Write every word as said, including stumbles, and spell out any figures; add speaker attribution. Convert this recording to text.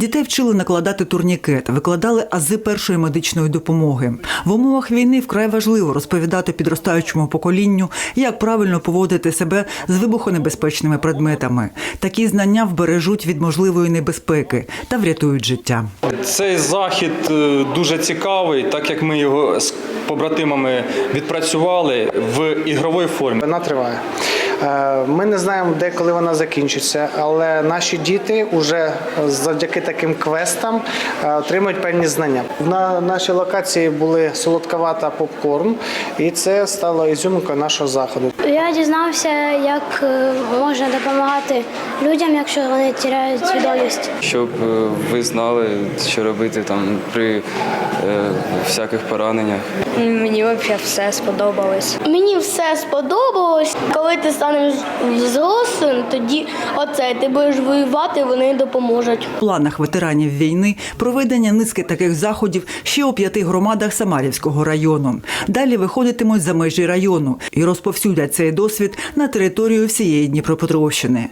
Speaker 1: Дітей вчили накладати турнікет, викладали ази першої медичної допомоги. В умовах війни вкрай важливо розповідати підростаючому поколінню, як правильно поводити себе з вибухонебезпечними предметами. Такі знання вбережуть від можливої небезпеки та врятують життя.
Speaker 2: Цей захід дуже цікавий, так як ми його з побратимами відпрацювали в ігровій формі.
Speaker 3: Вона триває. Ми не знаємо, де, коли вона закінчиться, але наші діти вже завдяки таким квестам отримують певні знання. На нашій локації були солодковата попкорн, і це стало ізюминкою нашого заходу.
Speaker 4: Я дізнався, як можна допомагати людям, якщо вони втрачають свідомість.
Speaker 5: Щоб ви знали, що робити там при е, всяких пораненнях.
Speaker 6: Мені взагалі все сподобалось.
Speaker 7: Мені все сподобалось. Коли ти станеш взрослим, тоді оце, ти будеш воювати, вони допоможуть.
Speaker 1: В планах ветеранів війни проведення низки таких заходів ще у п'яти громадах Самарівського району. Далі виходитимуть за межі району і розповсюдять цей досвід на територію всієї Дніпропетровщини.